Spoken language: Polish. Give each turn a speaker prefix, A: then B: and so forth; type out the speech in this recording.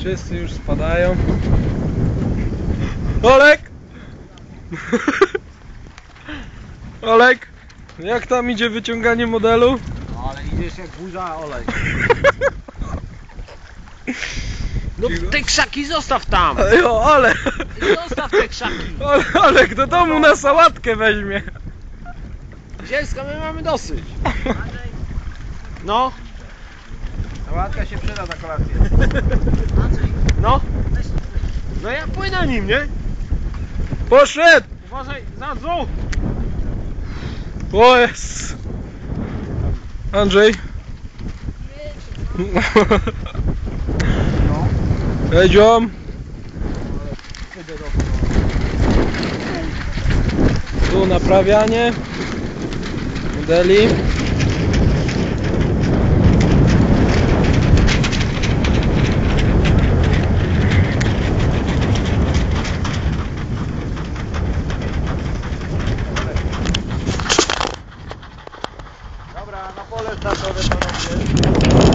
A: Wszyscy już spadają. Olek! Olek! Jak tam idzie wyciąganie modelu?
B: No, ale idziesz jak burza, olej. No te krzaki zostaw tam!
A: Jo, ale!
B: Zostaw te krzaki!
A: Olek do domu na sałatkę weźmie.
B: Zielska, my mamy dosyć. No. Sałatka się przyda na kolację. No. No ja płynę nim, nie?
A: Poszedł!
B: Uważaj, za dół!
A: O jest! Andrzej? Jedziom! Tu naprawianie modeli.
B: Dobra, na pole startowe panowie.